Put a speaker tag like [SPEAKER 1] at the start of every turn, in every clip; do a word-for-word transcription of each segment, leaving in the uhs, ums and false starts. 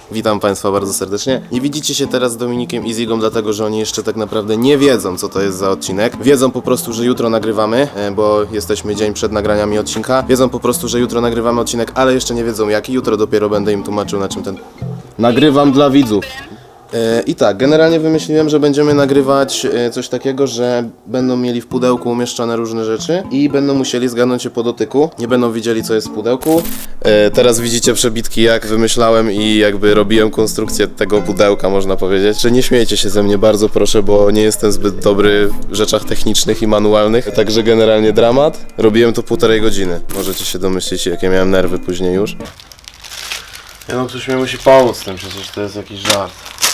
[SPEAKER 1] Witam Państwa bardzo serdecznie. Nie widzicie się teraz z Dominikiem i Zigą, dlatego że oni jeszcze tak naprawdę nie wiedzą, co to jest za odcinek. Wiedzą po prostu, że jutro nagrywamy, bo jesteśmy dzień przed nagraniami odcinka. Wiedzą po prostu, że jutro nagrywamy odcinek, ale jeszcze nie wiedzą jaki. Jutro dopiero będę im tłumaczył, na czym ten... Nagrywam dla widzów. I tak, generalnie wymyśliłem, że będziemy nagrywać coś takiego, że będą mieli w pudełku umieszczone różne rzeczy i będą musieli zgadnąć je po dotyku. Nie będą widzieli, co jest w pudełku. Teraz widzicie przebitki, jak wymyślałem i jakby robiłem konstrukcję tego pudełka, można powiedzieć. Że nie śmiejcie się ze mnie, bardzo proszę, bo nie jestem zbyt dobry w rzeczach technicznych i manualnych. Także generalnie dramat. Robiłem to półtorej godziny. Możecie się domyślić, jakie miałem nerwy później już. Ja no, ktoś mi musi pomóc z tym, przecież to jest jakiś żart.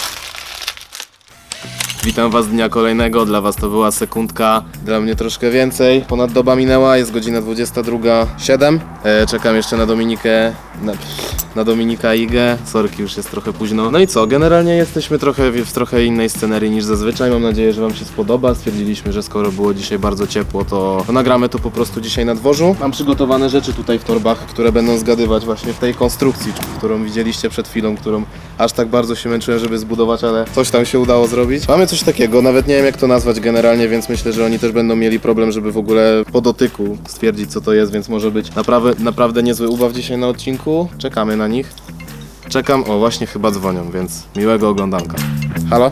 [SPEAKER 1] Witam Was dnia kolejnego, dla Was to była sekundka, dla mnie troszkę więcej. Ponad doba minęła, jest godzina dwudziesta druga siedem. E, czekam jeszcze na Dominikę, na, na Dominika i Igę. Sorki, już jest trochę późno. No i co, generalnie jesteśmy trochę w, w trochę innej scenerii niż zazwyczaj. Mam nadzieję, że Wam się spodoba. Stwierdziliśmy, że skoro było dzisiaj bardzo ciepło, to, to nagramy to po prostu dzisiaj na dworzu. Mam przygotowane rzeczy tutaj w torbach, które będą zgadywać właśnie w tej konstrukcji, którą widzieliście przed chwilą, którą aż tak bardzo się męczyłem, żeby zbudować, ale coś tam się udało zrobić. Mamy coś takiego, nawet nie wiem jak to nazwać generalnie, więc myślę, że oni też będą mieli problem, żeby w ogóle po dotyku stwierdzić, co to jest, więc może być naprawdę, naprawdę niezły ubaw dzisiaj na odcinku. Czekamy na nich. Czekam, o właśnie chyba dzwonią, więc miłego oglądanka. Halo?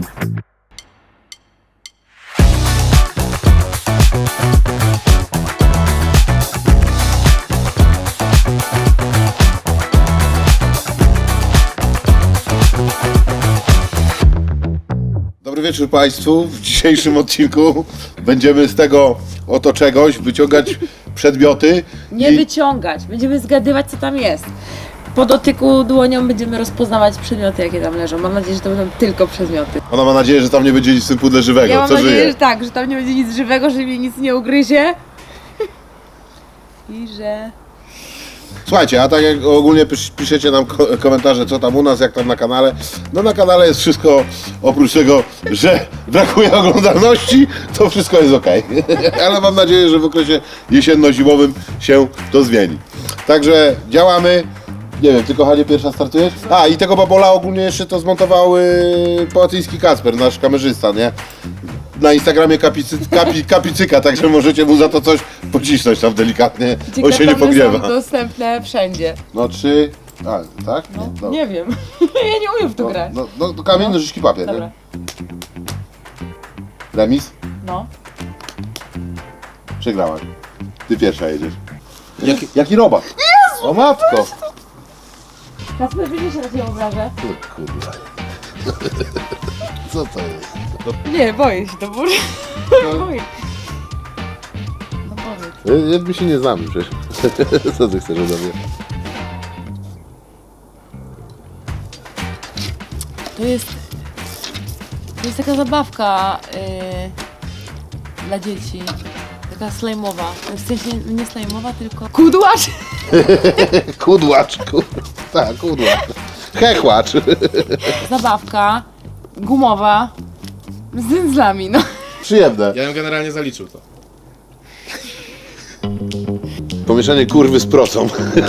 [SPEAKER 2] Dobry wieczór Państwu. W dzisiejszym odcinku będziemy z tego oto czegoś wyciągać przedmioty.
[SPEAKER 3] Nie
[SPEAKER 2] i...
[SPEAKER 3] wyciągać, będziemy zgadywać, co tam jest. Po dotyku dłonią będziemy rozpoznawać przedmioty, jakie tam leżą. Mam nadzieję, że to będą tylko przedmioty.
[SPEAKER 2] Ona ma nadzieję, że tam nie będzie nic w tym pudle żywego.
[SPEAKER 3] Ja mam
[SPEAKER 2] Co
[SPEAKER 3] nadzieję,
[SPEAKER 2] żyje?
[SPEAKER 3] że tak, że tam nie będzie nic żywego, że mnie nic nie ugryzie. I że...
[SPEAKER 2] Słuchajcie, a tak jak ogólnie pis piszecie nam ko komentarze, co tam u nas, jak tam na kanale. No na kanale jest wszystko, oprócz tego, że brakuje oglądalności, to wszystko jest ok. Ale mam nadzieję, że w okresie jesienno-zimowym się to zmieni. Także działamy. Nie wiem, ty kochanie pierwsza startujesz? A i tego babola ogólnie jeszcze to zmontował yy, Połatyński Kasper, nasz kamerzysta, nie? Na Instagramie kapicy, kapi, kapicyka, także możecie mu za to coś pocisnąć tam delikatnie, on się nie pogniewa.
[SPEAKER 3] są dostępne wszędzie.
[SPEAKER 2] No trzy, a tak?
[SPEAKER 3] No,
[SPEAKER 2] No,
[SPEAKER 3] nie wiem, ja nie umiem w to
[SPEAKER 2] no,
[SPEAKER 3] grać.
[SPEAKER 2] no, no, no kamień, nożyczki, papier,
[SPEAKER 3] Dobra,
[SPEAKER 2] nie? Remis?
[SPEAKER 3] no.
[SPEAKER 2] Przegrałaś. Ty pierwsza jedziesz. Jaki, jaki robak? Jezu, o matko!
[SPEAKER 3] Kasper, widzisz, że raz ją obrażę?
[SPEAKER 2] Kurwa. Co to jest?
[SPEAKER 3] Nie, boję się, to boję. boję. No powiedz.
[SPEAKER 2] My się nie znamy przecież. Co ty chcesz ode mnie?
[SPEAKER 3] To jest... To jest taka zabawka yy, dla dzieci. Taka slajmowa. W sensie nie slajmowa, tylko... Kudłacz!
[SPEAKER 2] Kudłacz, kur... tak, kudłacz. Hechłacz.
[SPEAKER 3] Zabawka gumowa z dzyndzlami, no.
[SPEAKER 2] Przyjemne.
[SPEAKER 1] Ja bym generalnie zaliczył to.
[SPEAKER 2] Pomieszanie kurwy z procą.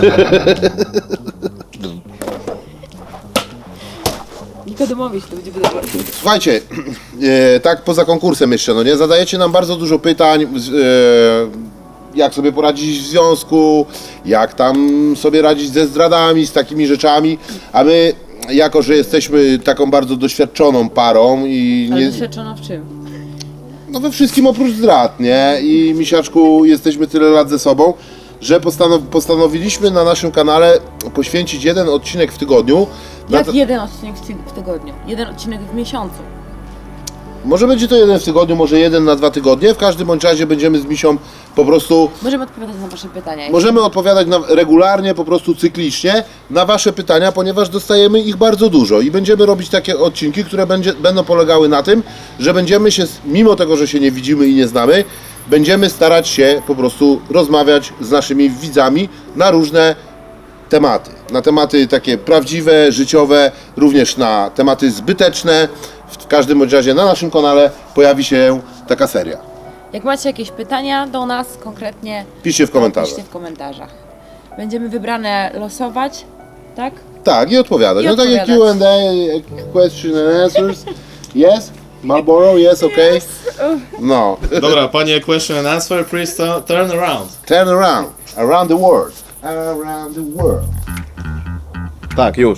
[SPEAKER 3] Nikodemowi się to będzie podobać.
[SPEAKER 2] Słuchajcie, e, tak poza konkursem jeszcze, no nie? Zadajecie nam bardzo dużo pytań, z, e, jak sobie poradzić w związku, jak tam sobie radzić ze zdradami, z takimi rzeczami, a my, jako że jesteśmy taką bardzo doświadczoną parą i
[SPEAKER 3] Ale
[SPEAKER 2] nie,
[SPEAKER 3] doświadczona w czym?
[SPEAKER 2] no we wszystkim oprócz zdrad, nie? I Misiaczku, jesteśmy tyle lat ze sobą, że postanow postanowiliśmy na naszym kanale poświęcić jeden odcinek w tygodniu. na
[SPEAKER 3] Jak
[SPEAKER 2] to-
[SPEAKER 3] jeden odcinek w, ty w tygodniu? Jeden odcinek w miesiącu.
[SPEAKER 2] Może będzie to jeden w tygodniu, może jeden na dwa tygodnie. W każdym bądź razie będziemy z Misią po prostu...
[SPEAKER 3] Możemy odpowiadać na wasze pytania.
[SPEAKER 2] Możemy odpowiadać na, regularnie, po prostu cyklicznie na wasze pytania, ponieważ dostajemy ich bardzo dużo i będziemy robić takie odcinki, które będzie, będą polegały na tym, że będziemy się, mimo tego, że się nie widzimy i nie znamy, będziemy starać się po prostu rozmawiać z naszymi widzami na różne tematy. Na tematy takie prawdziwe, życiowe, również na tematy zbyteczne. W każdym bądź razie na naszym kanale pojawi się taka seria.
[SPEAKER 3] Jak macie jakieś pytania do nas konkretnie,
[SPEAKER 2] Piszcie w
[SPEAKER 3] to
[SPEAKER 2] komentarzach.
[SPEAKER 3] piszcie w komentarzach. Będziemy wybrane losować tak?
[SPEAKER 2] Tak, i odpowiadać.
[SPEAKER 3] I
[SPEAKER 2] No tak jak Q and A, question and answers. Yes? Marlboro, yes, okay? No.
[SPEAKER 1] Dobra, panie question and answer, please tu- turn around.
[SPEAKER 2] Turn around. Around the world. Around the world.
[SPEAKER 1] Tak, już.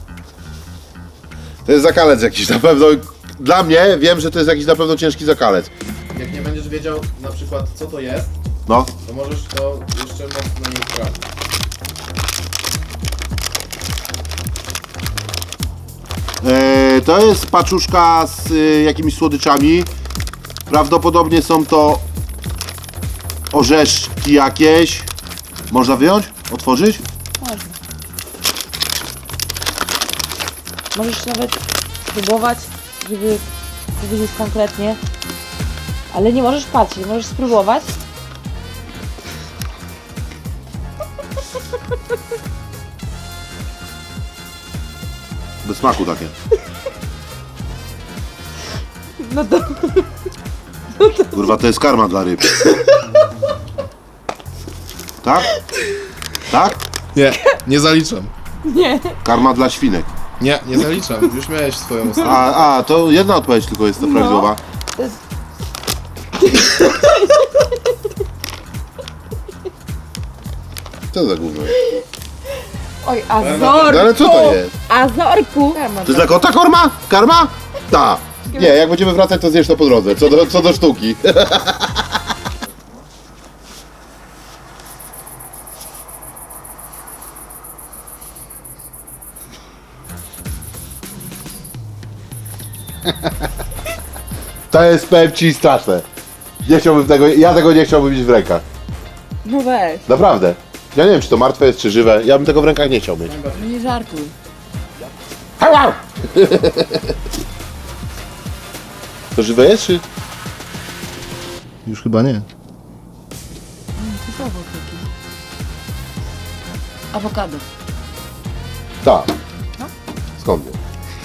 [SPEAKER 2] To jest zakalec jakiś na pewno. Dla mnie wiem, że to jest jakiś na pewno ciężki zakalec.
[SPEAKER 1] Jak nie będziesz wiedział na przykład co to jest,
[SPEAKER 2] No.
[SPEAKER 1] to możesz to jeszcze mocno nie sprawdzić.
[SPEAKER 2] E, to jest paczuszka z e, jakimiś słodyczami. Prawdopodobnie są to orzeszki jakieś. Można wyjąć? Otworzyć?
[SPEAKER 3] Można. Możesz nawet spróbować, żeby powiedzieć konkretnie. Ale nie możesz patrzeć, możesz spróbować.
[SPEAKER 2] Bez smaku takie.
[SPEAKER 3] No to...
[SPEAKER 2] Kurwa, to jest karma dla ryb. Tak? Tak?
[SPEAKER 1] Nie, nie zaliczam.
[SPEAKER 3] Nie.
[SPEAKER 2] Karma dla świnek.
[SPEAKER 1] Nie, nie zaliczam. Już miałeś swoją ustawę.
[SPEAKER 2] A, a, to jedna odpowiedź tylko jest to prawidłowa.
[SPEAKER 3] To jest...
[SPEAKER 2] Co za gówno?
[SPEAKER 3] Oj,
[SPEAKER 2] No
[SPEAKER 3] Azorku!
[SPEAKER 2] ale co to jest?
[SPEAKER 3] Azorku!
[SPEAKER 2] To jest dla kota korma? Karma? Ta. Nie, jak będziemy wracać, to zjesz to po drodze. Co do, co do sztuki. To jest, powiem ci, straszne. Nie chciałbym tego, ja tego nie chciałbym mieć w rękach.
[SPEAKER 3] No weź.
[SPEAKER 2] Naprawdę. Ja nie wiem, czy to martwe jest, czy żywe. Ja bym tego w rękach nie chciał mieć.
[SPEAKER 3] No nie żartuj.
[SPEAKER 2] To żywe jest, czy?
[SPEAKER 1] Już chyba nie.
[SPEAKER 3] To jest owoc taki. Awokado.
[SPEAKER 2] Tak. Skąd wie?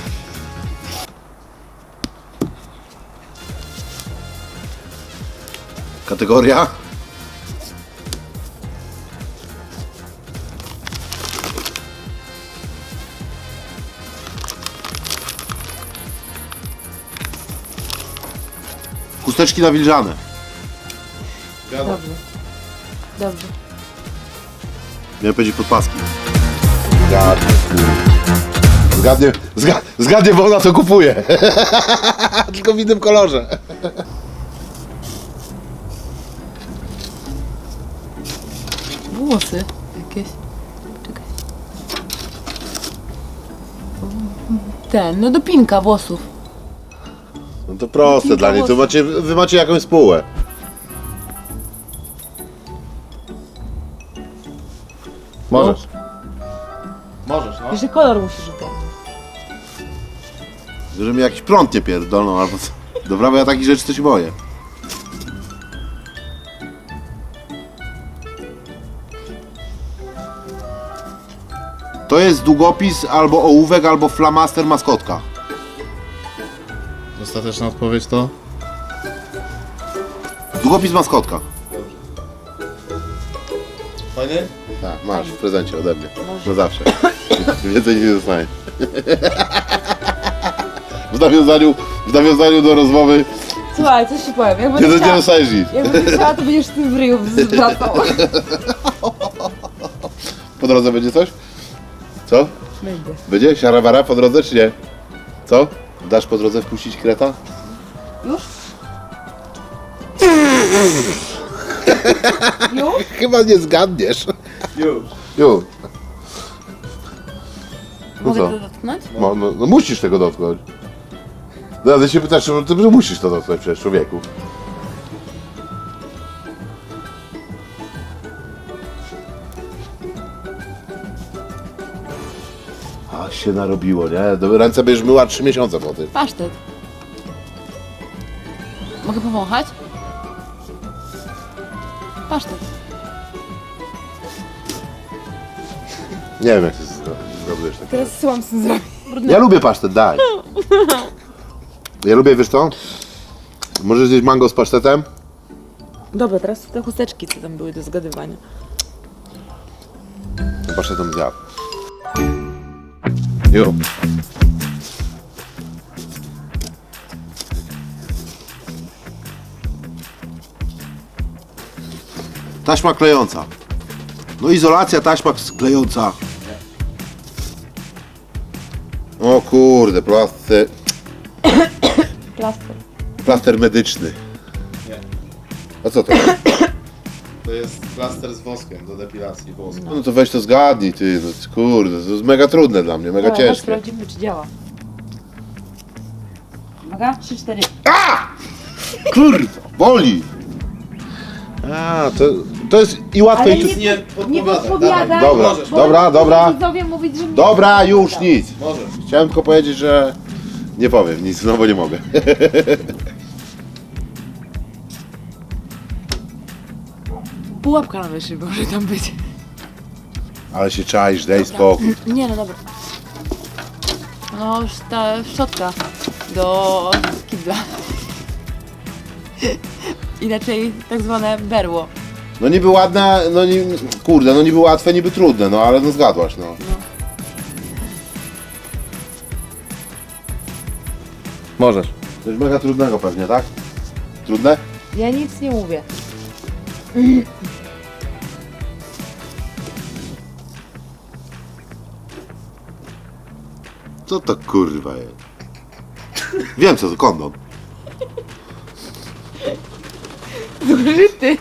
[SPEAKER 2] Kategoria? Chusteczki nawilżane.
[SPEAKER 3] Dobrze. Dobrze.
[SPEAKER 2] Miałem powiedzieć podpaski. Zgadnie. Zgadnie, zga, zgadnie, bo ona to kupuje. Tylko w innym kolorze.
[SPEAKER 3] Włosy jakieś. Czekaj. Ten, no dopinka włosów.
[SPEAKER 2] No to proste dla niej, to macie, wy macie jakąś spółę.
[SPEAKER 1] Możesz. Możesz, no.
[SPEAKER 3] Jeszcze kolor musisz dać.
[SPEAKER 2] Że mi jakiś prąd nie pierdolną albo co. Dobra, bo ja takich rzeczy to się boję. To jest długopis, albo ołówek, albo flamaster maskotka.
[SPEAKER 1] Ostateczna odpowiedź to?
[SPEAKER 2] Długopis maskotka.
[SPEAKER 1] Fajny?
[SPEAKER 2] Tak, masz w prezencie ode mnie. Na zawsze. Więcej nie dostaniesz. W nawiązaniu, w nawiązaniu do rozmowy
[SPEAKER 3] Słuchaj, coś ci powiem. Jak
[SPEAKER 2] nie,
[SPEAKER 3] będę
[SPEAKER 2] nie
[SPEAKER 3] chciała,
[SPEAKER 2] dostajesz nic.
[SPEAKER 3] jak będę chciała, to będziesz w tym w ryju wracał.
[SPEAKER 2] Po drodze będzie coś? Co?
[SPEAKER 3] Będzie.
[SPEAKER 2] Będzie? Siarabara po drodze czy nie? Co? Dasz po drodze wpuścić kreta?
[SPEAKER 3] Już? Już?
[SPEAKER 2] Chyba nie zgadniesz.
[SPEAKER 1] Już.
[SPEAKER 2] Już. No
[SPEAKER 3] Mogę
[SPEAKER 2] co?
[SPEAKER 3] to dotknąć?
[SPEAKER 2] No, no, no musisz tego dotknąć. No ale się pytasz, czy ty musisz to dotknąć przecież, człowieku. A się narobiło, nie? Do- Ręce będziesz myła trzy miesiące po tym.
[SPEAKER 3] Pasztet. Mogę powąchać? Pasztet.
[SPEAKER 2] Nie wiem, jak ty zro- zgadujesz takie.
[SPEAKER 3] Teraz co mam z tym zrobić?
[SPEAKER 2] Ja lubię pasztet, daj. Ja lubię, wiesz co? Możesz zjeść mango z pasztetem?
[SPEAKER 3] Dobra, teraz te chusteczki, co tam były do zgadywania.
[SPEAKER 2] Pasztetem zjadł.
[SPEAKER 1] Jo.
[SPEAKER 2] Taśma klejąca. No izolacja, taśma klejąca. O kurde, plaster,
[SPEAKER 3] Plaster.
[SPEAKER 2] plaster medyczny.
[SPEAKER 1] Nie.
[SPEAKER 2] A co to?
[SPEAKER 1] To jest plaster z woskiem do depilacji włosów.
[SPEAKER 2] No to weź to zgadnij, ty, no kurde, to jest mega trudne dla mnie, mega
[SPEAKER 3] Dobra, chodź,
[SPEAKER 2] ciężkie.
[SPEAKER 3] sprawdzimy, czy działa. Uwaga, trzy, cztery.
[SPEAKER 2] Kurwa, boli! A, to, to jest i łatwe
[SPEAKER 3] Ale
[SPEAKER 2] i...
[SPEAKER 3] nie,
[SPEAKER 1] nie
[SPEAKER 3] nie
[SPEAKER 1] podpowiadaj,
[SPEAKER 3] podpowiadaj,
[SPEAKER 1] dawaj,
[SPEAKER 2] dobra,
[SPEAKER 1] możesz,
[SPEAKER 3] bo
[SPEAKER 2] dobra,
[SPEAKER 3] będą
[SPEAKER 2] dobra.
[SPEAKER 3] widzowie mówić, że nie
[SPEAKER 2] Dobra, już nic.
[SPEAKER 1] Możesz.
[SPEAKER 2] Chciałem tylko powiedzieć, że nie powiem nic, no bo nie mogę.
[SPEAKER 3] Pułapka na myszy może tam być.
[SPEAKER 2] Ale się czaisz, daj spokój.
[SPEAKER 3] Nie, no dobra. No, już ta szczotka do kibla. Inaczej tak zwane berło.
[SPEAKER 2] No niby ładne, no nie, kurde, no niby łatwe, niby trudne, no ale no zgadłaś, no.
[SPEAKER 1] Możesz.
[SPEAKER 2] Coś mega trudnego pewnie, tak? Trudne?
[SPEAKER 3] Ja nic nie mówię.
[SPEAKER 2] Co to kurwa jest? Wiem co to, kondom.
[SPEAKER 3] Zużyty.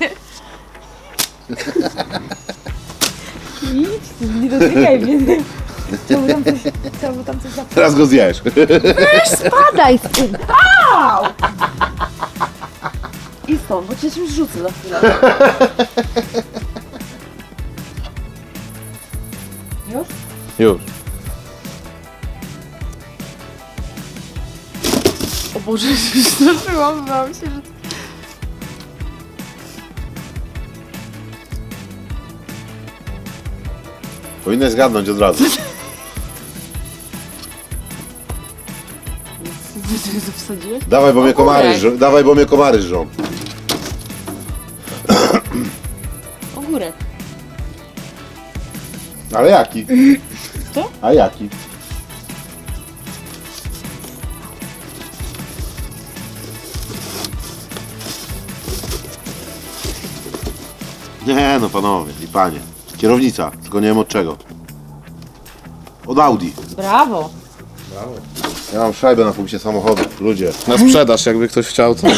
[SPEAKER 3] Idź, nie dotykaj mnie. Chciałby tam coś, chciałby tam coś zapytać.
[SPEAKER 2] Teraz go zjesz.
[SPEAKER 3] Spadaj z tym! Au! I stąd, bo cię czymś rzucę za chwilę. Już?
[SPEAKER 1] Już.
[SPEAKER 3] O Boże, już straszyłam, bałam się, że...
[SPEAKER 2] Powinnaś zgadnąć od razu.
[SPEAKER 3] Ty to wsadziłeś?
[SPEAKER 2] Dawaj, bo mnie komary,
[SPEAKER 3] Ogórek.
[SPEAKER 2] żrą. Dawaj, bo mnie komary żrą.
[SPEAKER 3] Ogórek.
[SPEAKER 2] Ale jaki?
[SPEAKER 3] Co?
[SPEAKER 2] A jaki? Nie no panowie i panie. Kierownica, tylko nie wiem od czego. Od Audi.
[SPEAKER 3] Brawo.
[SPEAKER 2] Ja mam szajbę na punkcie samochodu. Ludzie.
[SPEAKER 1] Na sprzedaż, jakby ktoś chciał, to...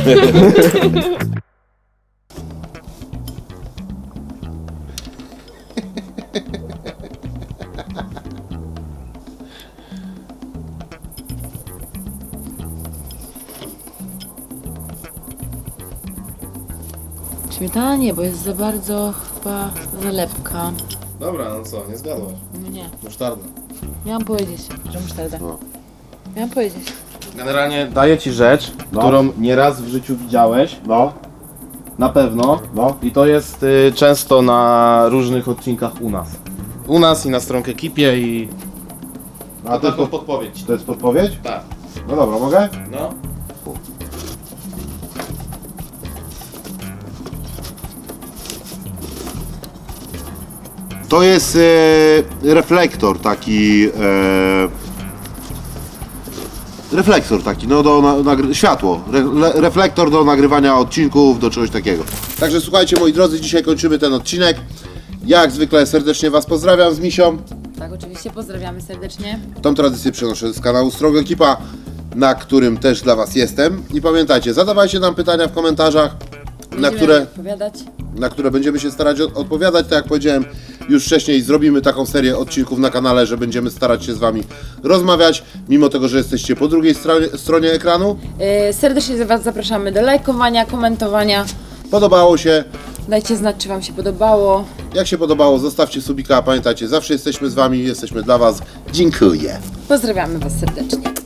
[SPEAKER 3] Śmietana nie, bo jest za bardzo chyba zalepka.
[SPEAKER 1] Dobra, no co, nie zgadłaś.
[SPEAKER 3] No nie.
[SPEAKER 1] Musztarda.
[SPEAKER 3] Miałam powiedzieć, że musztarda.
[SPEAKER 2] No.
[SPEAKER 3] Miałam powiedzieć.
[SPEAKER 1] Generalnie daję ci rzecz,
[SPEAKER 2] No.
[SPEAKER 1] którą nieraz w życiu widziałeś.
[SPEAKER 2] No,
[SPEAKER 1] Na pewno.
[SPEAKER 2] no.
[SPEAKER 1] I to jest y, często na różnych odcinkach u nas. U nas i na stronkę ekipie i...
[SPEAKER 2] A to jest, pod...
[SPEAKER 1] podpowiedź.
[SPEAKER 2] to jest podpowiedź?
[SPEAKER 1] Tak.
[SPEAKER 2] No dobra, mogę?
[SPEAKER 1] No.
[SPEAKER 2] To jest e, reflektor taki. E, reflektor taki, no do na, nagry- światło. Re, le, reflektor do nagrywania odcinków, do czegoś takiego. Także słuchajcie moi drodzy, dzisiaj kończymy ten odcinek. Jak zwykle serdecznie Was pozdrawiam z Misią.
[SPEAKER 3] Tak, oczywiście pozdrawiamy serdecznie.
[SPEAKER 2] Tą tradycję przenoszę z kanału Strong Ekipa, na którym też dla Was jestem. I pamiętajcie, zadawajcie nam pytania w komentarzach, na
[SPEAKER 3] Będziemy
[SPEAKER 2] które,
[SPEAKER 3] odpowiadać.
[SPEAKER 2] na które będziemy się starać od- odpowiadać. Tak jak powiedziałem już wcześniej, zrobimy taką serię odcinków na kanale, że będziemy starać się z Wami rozmawiać, mimo tego, że jesteście po drugiej stronie, stronie ekranu.
[SPEAKER 3] Yy, serdecznie Was zapraszamy do lajkowania, komentowania.
[SPEAKER 2] Podobało się.
[SPEAKER 3] Dajcie znać, czy Wam się podobało.
[SPEAKER 2] Jak się podobało, zostawcie subika. Pamiętajcie, zawsze jesteśmy z Wami, jesteśmy dla Was. Dziękuję.
[SPEAKER 3] Pozdrawiamy Was serdecznie.